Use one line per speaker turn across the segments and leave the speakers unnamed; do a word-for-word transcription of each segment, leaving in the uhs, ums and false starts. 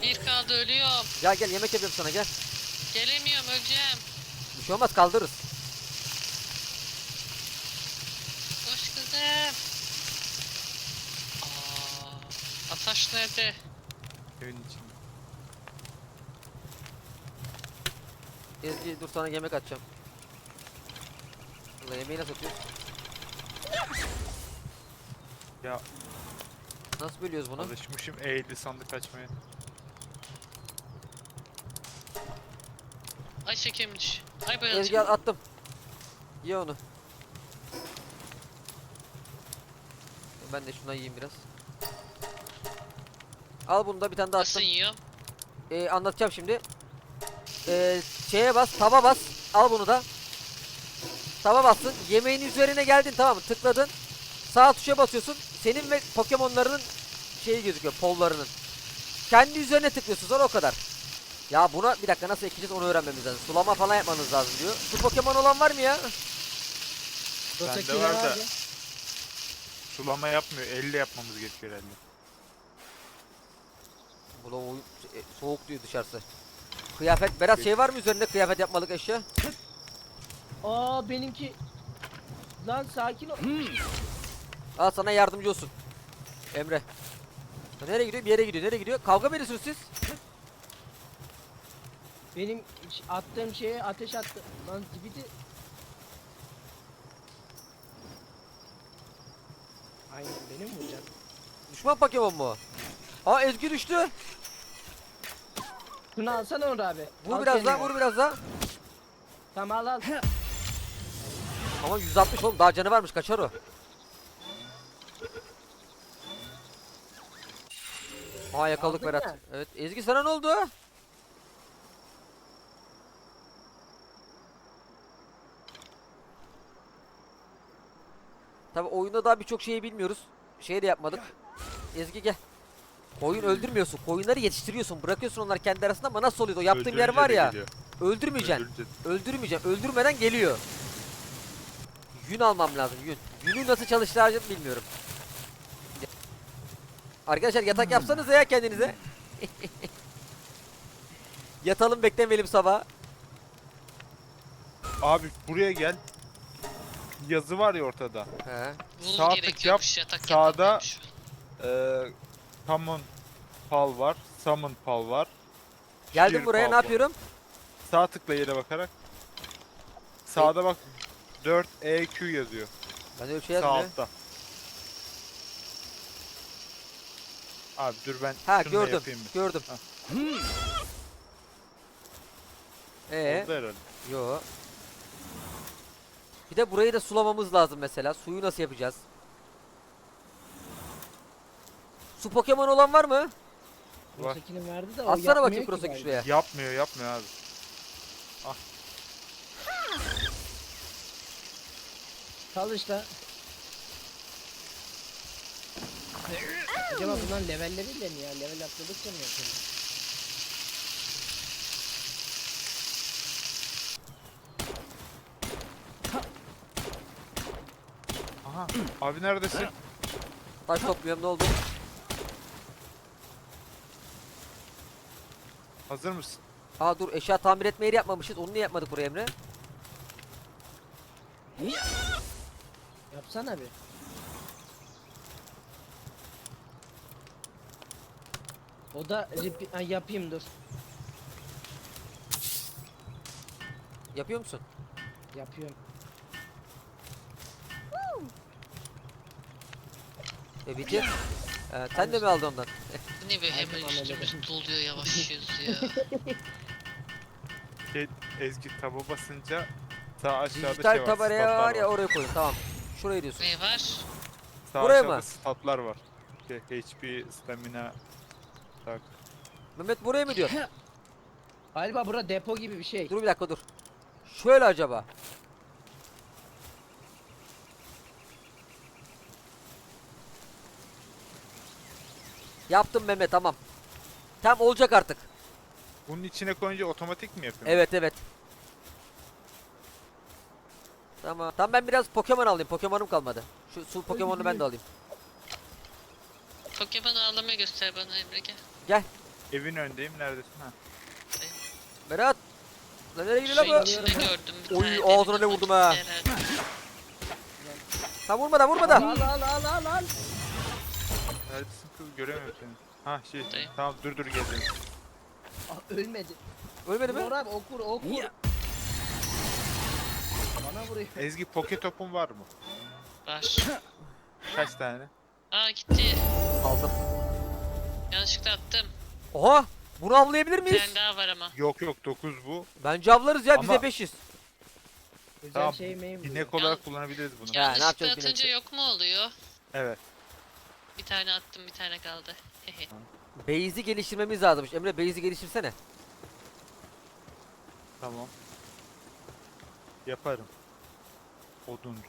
Bir kaldı, ölüyorum.
Gel gel, yemek yapıyorum sana, gel.
Gelemiyorum, öleceğim.
Bir şey olmaz, kaldırırız.
Hoş kızım. Aa, Ataş nerede?
Evin içinde.
Ezgi dur, sana yemek atacağım. Ulan yemeği nasıl atıyoruz?
Ya
Nasıl bölüyoruz bunu?
alışmışım eğildi sandık açmaya.
Ay şekemmiş. Ay
Ezgi
bayılacağım.
attım. Ye onu. Ben de şuna yiyeyim biraz. Al bunu da, bir tane daha
Nasıl
attım.
yiyor?
Ee, anlatacağım şimdi. Ee, şeye bas, taba bas. Al bunu da. Taba bastın. Yemeğin üzerine geldin, tamam mı? Tıkladın. Sağ tuşa basıyorsun. Senin ve Pokemon'larının şeyi gözüküyor, pollarının. Kendi üzerine tıklıyorsun, sonra o kadar. Ya buna bir dakika nasıl ekeceğiz onu öğrenmemiz lazım. Sulama falan yapmanız lazım diyor. Su Pokemon olan var mı ya?
Bende var da sulama yapmıyor. Elle yapmamız gerekiyor herhalde.
Bu da oyun- e, soğuk diyor dışarısı. Kıyafet, Berat şey var mı üzerinde kıyafet yapmalık eşya?
Aa benimki. Lan sakin ol.
Al sana yardımcı olsun. Emre. Ya nereye gidiyor? Bir yere gidiyor. Nereye gidiyor? Kavga mı ediyorsunuz siz?
Benim ş- attığım şeye ateş attı. Lan zibidi. Aynen benim vuracak.
Düşman Pokemon mu? Aa, Ezgi düştü.
Şunu alsana Onur abi.
Vur
Al
biraz
kendine.
daha, vur biraz daha.
Tamam al al.
Ama yüz altmış oğlum, daha canı varmış, kaçar o. Aa, yakaladık
Aldın
Berat.
ya.
Evet, Ezgi sana ne oldu? Tabi oyunda daha birçok şeyi bilmiyoruz. Şey de yapmadık. Ezgi gel. Koyun öldürmüyorsun. Koyunları yetiştiriyorsun. Bırakıyorsun onlar kendi arasında, ama nasıl oluyor? O yaptığım yer
Öldürünce
var
de
ya.
geliyor.
Öldürmeyeceksin.
Öldürünce-
Öldürmeyeceksin. Öldürmeden geliyor. Yün almam lazım, yün. Yünü nasıl çalıştıracağım bilmiyorum. Arkadaşlar yatak yapsanız ya kendinize. Yatalım, beklemeyelim sabah.
Abi buraya gel. Yazı var ya ortada.
He.
Bul
Sağ tık
gerekiyormuş, yatak
sağda-
yapamıyormuş.
Ee, Common Pal var. Summon Pal var.
Geldim
Sheer
buraya,
Pal
ne
var.
yapıyorum?
Sağ tıkla yere bakarak. Sağda bak dört E Q yazıyor.
Ben öyle şey
Sağ
yazmıyor.
altta. Abi dur ben
Ha,
şununla
gördüm.
yapayım bir.
Gördüm.
Ha.
Ee,
Oldu herhalde.
yo. Bir de burayı da sulamamız lazım mesela. Suyu nasıl yapacağız? Su Pokemon olan var mı?
Var.
Ötekinin verdi de o
Atsana
yapmıyor
bakayım
ki
Kurosaki
galiba.
şuraya.
Yapmıyor yapmıyor abi.
Çalış da. Acaba bundan levelleriyle mi ya? Level atladıkça mı yapıyor?
Aha. Abi neredesin?
Taş topluyorum, ne oldu?
Hazır mısın?
Aa dur, eşya tamir etme yeri yapmamışız. Onu niye yapmadık buraya Emre?
Yapsana bir. O da repi- ha, yapayım dur.
Yapıyor musun?
Yapıyorum.
E bitir. Ee, sen de mi aldın ondan?
Bu ne be,
Aldım
hemen
amele.
üstümüz doluyor, yavaşlıyoruz ya.
Şey, Ezgi taba basınca sağ aşağıda
Dijital
şey var.
tabaraya
statlar
var ya, oraya koyun, tamam. Şuraya diyorsun.
Ne var?
Sağ
Buraya
aşağıda
mı?
statlar var. Şey, H P, stamina. Tak.
Mehmet buraya mı diyor?
Galiba bura depo gibi bir şey.
Dur bir dakika, dur. Şöyle acaba. Yaptım Mehmet, tamam. Tam olacak artık.
Bunun içine koyunca otomatik mi yapıyor?
Evet evet. Tamam. Tamam, ben biraz Pokemon alayım. Pokemon'um kalmadı. Şu su Pokemon'u ben de alayım.
Pokemon ağlama göster bana Emre, gel.
Gel.
Evin önündeyim. Neredesin? Ha.
Berat. Lan nereye gidiyor
Şeyin
lan bu?
içinde gördüm bir
Oy,
tane.
ağzına
demin
ne vurdum
ama
ha.
gitti herhalde.
Tam vurma da vurma da.
Al al al al al.
Neredesin kız? Göremiyorum seni. Ha şey.
Buradayım.
Tamam dur dur geldim.
Aa, ölmedi.
Ölmedi
Vur
mi?
abi ok vur ok vur.
Niye?
Bana vuruyor.
Ezgi poke topun var mı?
Var.
Kaç tane?
Aa gitti.
Aldım.
Yanlışlıkla attım.
Oha! Bunu avlayabilir
Bir
miyiz?
tane daha var ama.
Yok yok dokuz bu.
Bence avlarız ya bize
Ama-
beş yüz.
Özel
Tamam.
şey meyim bu.
İnek olarak kullanabiliriz bunu.
Ya, ne
Yanlışlıkla
yapacağız
atınca
bilmiyorum.
yok mu oluyor?
Evet.
Bir tane attım bir tane kaldı. Hehe.
Base'i geliştirmemiz lazımmış. Emre base'i geliştirsene.
Tamam. Yaparım. Oduncu.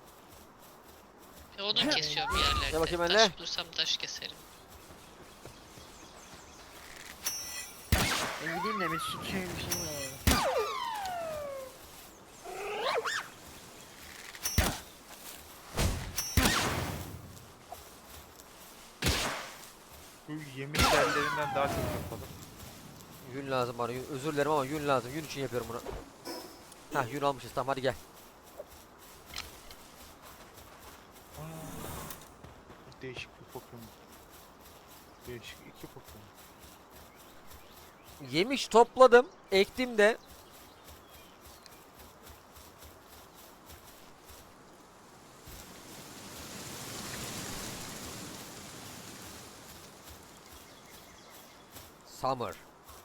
E, Odun kesiyorum bir yerlerde.
Gel bakayım benimle.
Taş bulursam taş keserim.
Ben gideyim de bir şey bir şey var.
Bu yemin yerlerinden daha çok yapalım.
Yün lazım bana. Yün. Özür dilerim ama yün lazım. Yün için yapıyorum bunu. Hah yün almışız. Tamam hadi gel.
Aa, değişik bir Pokemon. Değişik iki Pokemon.
Yemiş topladım. Ektim de. Summer.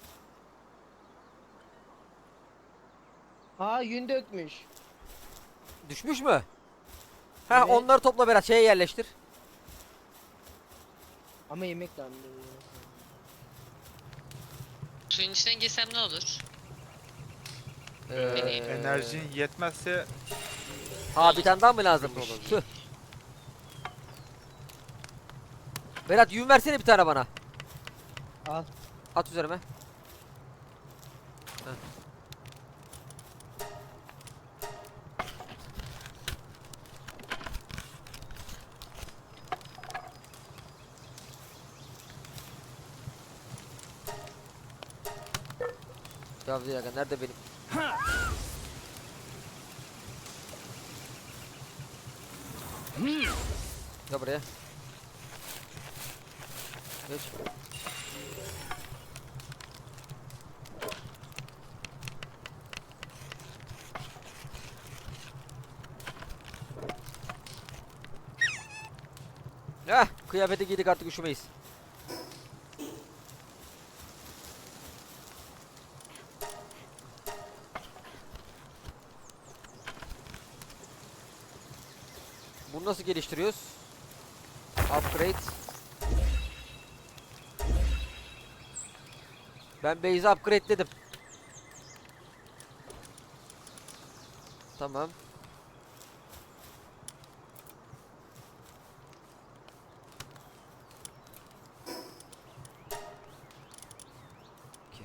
Aa yün dökmüş.
Düşmüş mü? Ha
Evet.
onları topla biraz şeye yerleştir.
Ama yemek lazım.
Suyun içinden girsem ne olur?
Ee,
Enerjin yetmezse
Ha bir tane daha mı lazımmış? Tüh. Berat yün versene bir tane bana.
Al.
At üzerime. Heh. Ya bir dakika nerede benim? Gel buraya. Geç. Heh, kıyafeti giydik artık üşümeyiz. Bunu nasıl geliştiriyoruz? Upgrade. Ben base'i upgrade dedim. Tamam. Okey.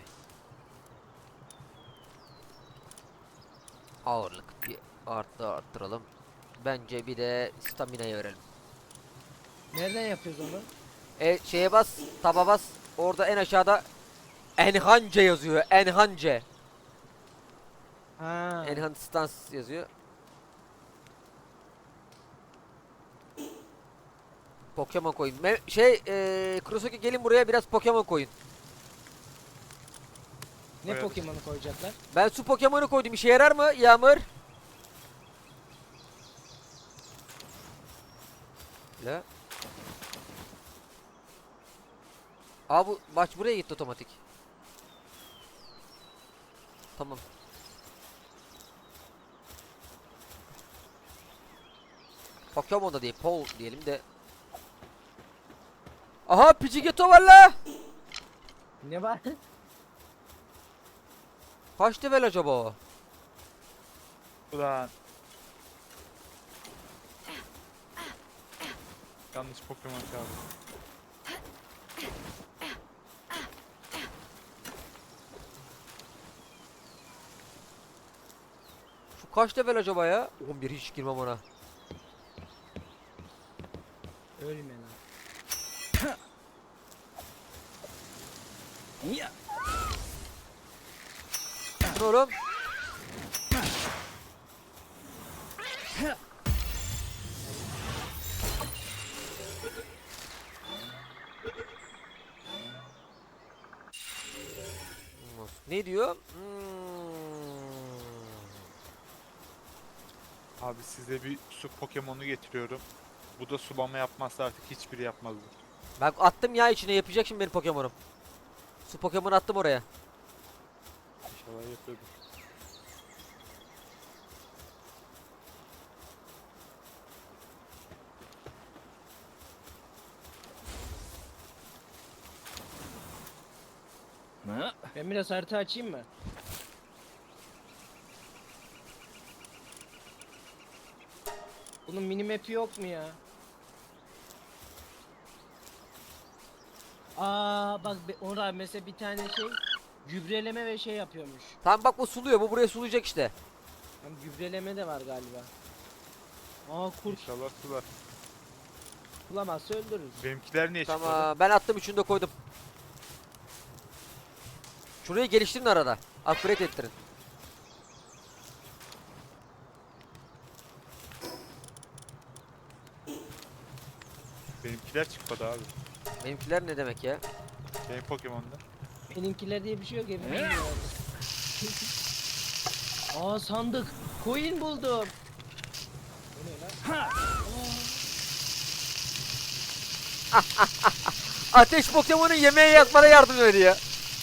Ağırlık bir arttı arttıralım. Bence bir de stamina'ya verelim.
Nereden yapıyoruz onu?
E şeye bas, taba bas. Orada en aşağıda Enhance yazıyor. Enhance.
Ha.
Enhance stance yazıyor. Pokemon koyun. Me şey eee Kurosuke gelin buraya biraz Pokemon koyun.
Ne
Evet.
Pokemon'u koyacaklar?
Ben su Pokemon'u koydum. İşe yarar mı Yağmur? La. Aa bu maç buraya gitti otomatik. Tamam. Pokemon da değil, Pol diyelim de. Aha Pidgeotto var la.
Ne var?
Kaç level acaba o?
ulan. Yanlış Pokemon çağırdım.
Şu kaç level acaba ya? on bir hiç girmem ona.
Ölme lan.
Dur oğlum. Ne diyor? Hmm.
Abi size bir su Pokemon'u getiriyorum. Bu da sulama yapmazsa artık hiçbiri yapmazdı.
Ben attım ya içine, yapacak şimdi benim Pokemon'um. Su Pokemon attım oraya.
İnşallah yapıyordur.
Ben biraz harita açayım mı? Bunun minimap'i yok mu ya? Aa bak be- orada mesela bir tane şey gübreleme ve şey yapıyormuş.
Tamam bak, bu suluyor, bu buraya sulayacak işte.
Hem gübreleme de var galiba. Aa kurt
İnşallah sular.
bulamazsa öldürürüz.
Benimkiler niye çıkmadı?
Tamam, ben attım, üçünü de koydum. Şurayı geliştirin arada. Upgrade ettirin.
Benimkiler çıkmadı abi.
Benimkiler ne demek ya?
Benim Pokemon'da.
Benimkiler diye bir şey yok hepimiz biliyoruz. Aa sandık. Coin buldum. Bu ne lan?
Ateş Pokemon'un yemeği yakmana yardım ediyor.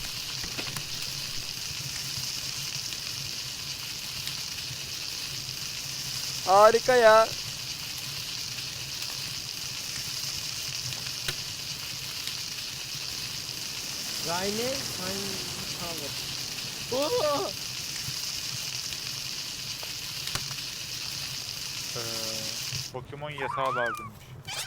Harika ya.
Rayne Sign Power. Oo!
Ee, Pokemon yasağı lazımmış.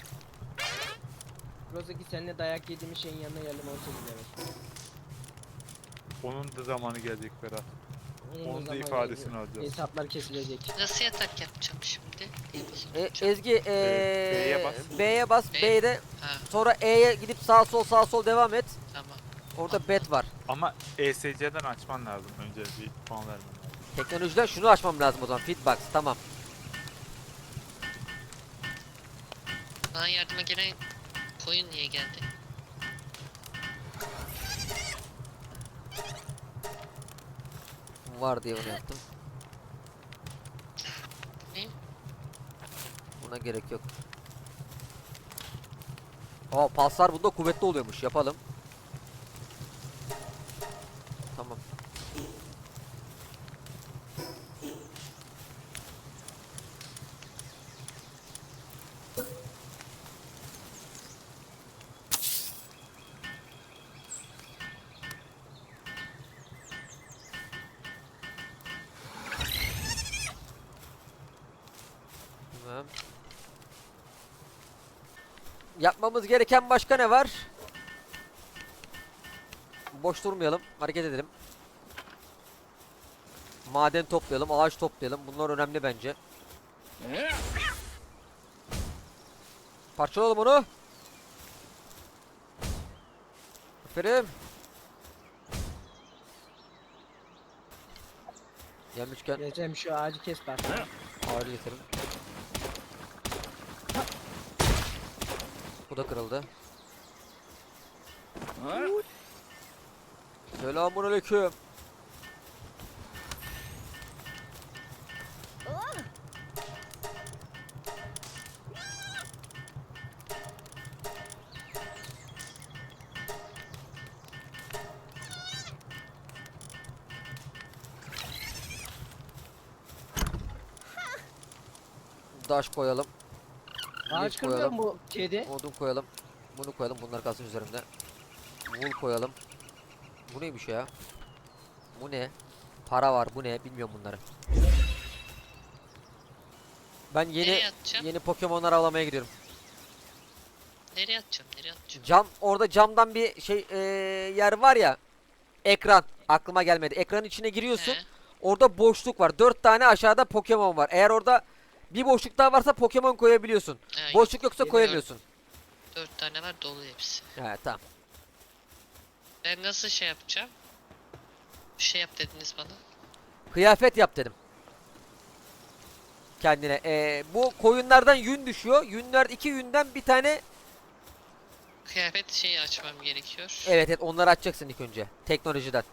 Rozaki seninle dayak yediğimiz şeyin yanına geldim on sekiz level.
Onun da zamanı gelecek Berat.
Onun
Onun da
zamanı
ifadesini
geliyor.
alacağız.
Hesaplar kesilecek.
Nasıl yatak yapacağım şimdi? İyi
E,
bozulacağım.
Ezgi ee,
B'ye bas.
B'ye bas.
B.
B'de
Ha
sonra E'ye gidip sağ sol sağ sol devam et.
tamam.
Orada bet var.
Ama E S C'den açman lazım. Önce bir puan vermen lazım.
Teknolojiden şunu açmam lazım o zaman. Fitbox, tamam.
Bana yardıma gelen koyun niye geldi?
Var diye bunu yaptım.
Ne?
Buna gerek yok. Aa, paslar bunda kuvvetli oluyormuş. Yapalım. Tamam. Tamam. Yapmamız gereken başka ne var? Boş durmayalım. Hareket edelim. Maden toplayalım, ağaç toplayalım. Bunlar önemli bence. Parçalayalım onu. Aferin. Gelmişken
Geçelim şu ağacı kes bak.
ağacı getirin. Bu da kırıldı. Selamünaleyküm. Taş koyalım.
Ağaç
Leaf
kırmıyor
koyalım.
mu bu kedi?
Odun koyalım. Bunu koyalım. Bunlar kalsın üzerimde. Wool koyalım. Bu neymiş ya? Bu ne? Para var. Bu ne? Bilmiyorum bunları. Ben yeni
Nereye atacağım?
yeni Pokemon'lar avlamaya gidiyorum.
Nereye atacağım? Nereye atacağım?
Cam, orada camdan bir şey eee, yer var ya. Ekran. Aklıma gelmedi. Ekranın içine giriyorsun.
He,
Orada boşluk var. Dört tane aşağıda Pokemon var. Eğer orada bir boşluk daha varsa Pokemon koyabiliyorsun.
he, yok,
Boşluk yoksa
Yeni
koyamıyorsun.
dört tane var dolu hepsi.
Evet, tamam.
Ben nasıl şey yapacağım? Bir şey yap dediniz bana.
Kıyafet yap dedim. Kendine. Ee, bu koyunlardan yün düşüyor. Yünler iki yünden bir tane.
Kıyafet şeyi açmam gerekiyor.
Evet evet onları açacaksın ilk önce. Teknolojiden.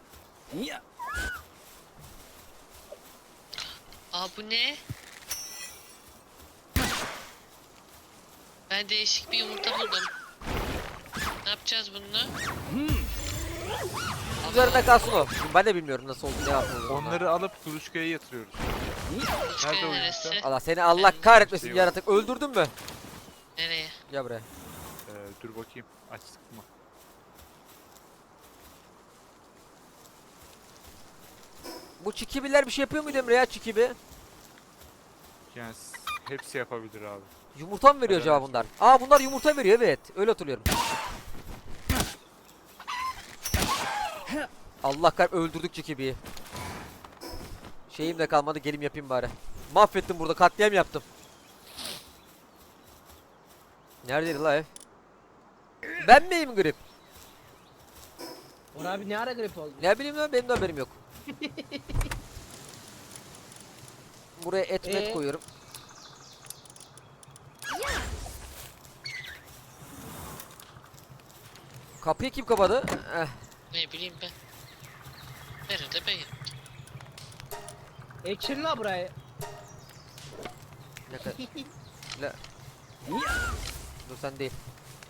Aa bu ne? Ben değişik bir yumurta buldum. Ne yapacağız bununla?
Üzerinde kalsın o. Ben de bilmiyorum nasıl oldu ne yapıldı.
Onları alıp kuluçkaya yatırıyoruz.
Kuluçkaya
Nerede o
neresi?
yumurta?
Allah seni Allah kahretmesin
Şey var.
yaratık. Öldürdün mü?
Nereye?
Gel buraya.
Ee, dur bakayım. Açtık mı?
Bu çikibiler bir şey yapıyor muydu Emre ya çikibi?
Yani s- hepsi yapabilir abi.
Yumurta mı veriyor
Evet.
acaba bunlar? Aa bunlar yumurta veriyor evet. Öyle hatırlıyorum. Allah kahretsin öldürdük çikibiyi. Şeyim de kalmadı gelim yapayım bari. Mahvettim burada katliam yaptım. Neredeydi la ev? Ben miyim grip?
Orhan abi ne ara grip oldu?
Ne bileyim lan benim de haberim yok. Buraya et met
Ee?
koyuyorum. Kapıyı kim kapadı? Eh,
Ne bileyim ben. Nerede ben?
Ekşir la burayı.
ne kadar? La. Dur sen değil.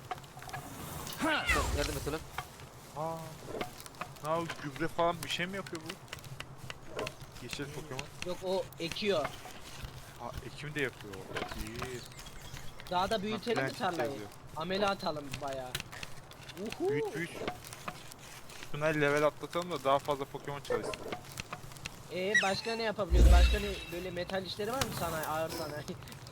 Dur, yardım et ulan.
Aa. Ne yapıyor? Gübre falan bir şey mi yapıyor bu? Yeşil Pokemon.
Yok o ekiyor.
Aa, ekim de yapıyor. İyi.
Daha da büyütelim mi
Plant
tarlayı?
yazıyor.
Amele atalım bayağı. Uhu.
Büyüt büyüt. Şuna level atlatalım da daha fazla Pokemon çalışsın.
Ee başka ne yapabiliyoruz? Başka ne böyle metal işleri var mı sanayi, ağır sanayi?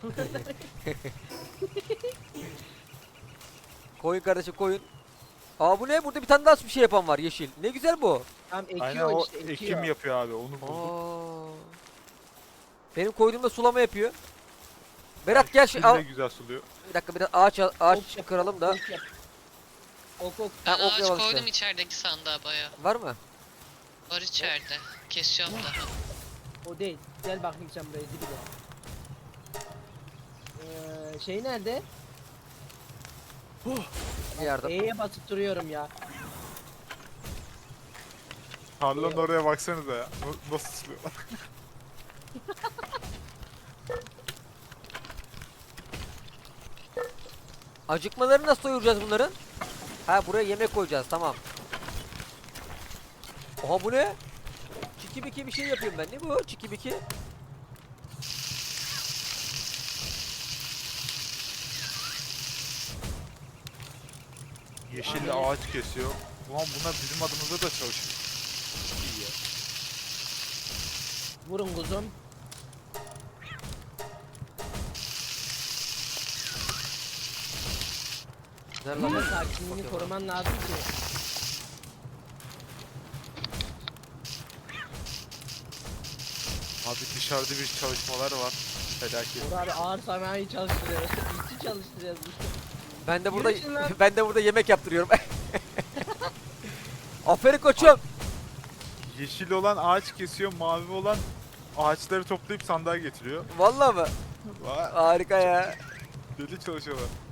Koyun kardeşim koyun. Aa bu ne? Burada bir tane daha bir şey yapan var yeşil. Ne güzel bu.
Tam
Aynen
ekiyor
o
işte ekiyor.
ekim yapıyor abi onu bulduk.
Aa. Benim koyduğumda sulama yapıyor. Berat gel şu
Şimdi
al.
de güzel suluyor.
Bir dakika biraz ağaç ağaç
Ok yap,
kıralım da.
Ok yap. Ok ok.
Ben
Ha, ok
ağaç
yapalım
koydum
işte.
içerideki sandığa baya.
Var mı?
Var içeride. Kesiyorum daha.
O değil. Gel bakayım sen buraya dibine. Ee, şey nerede?
Bir yardım.
E'ye basıp duruyorum ya.
Tarlanın oraya baksanıza ya. Na- Nasıl suluyor?
Acıkmaları nasıl doyuracağız bunların? Ha buraya yemek koyacağız tamam. Oha bu ne? Çiki biki bir şey yapıyorum ben. Ne bu? Çiki biki.
Yeşille ağaç kesiyor. Ulan bunlar bizim adımıza da çalışıyor. İyi ya.
Vurun kuzum.
Nerede
Ama
lan?
sakinliğini
Bakıyorum.
koruman lazım ki.
Abi dışarıda bir çalışmalar var. Felaket.
Uğur abi ağır sanayi çalıştırıyoruz. İşçi çalıştırıyoruz.
Ben de burada
Yürüsün lan.
ben de burada yemek yaptırıyorum. Aferin koçum.
Yeşil olan ağaç kesiyor, mavi olan ağaçları toplayıp sandığa getiriyor.
Vallahi mı?
Vay,
Harika ya.
deli çalışıyorlar.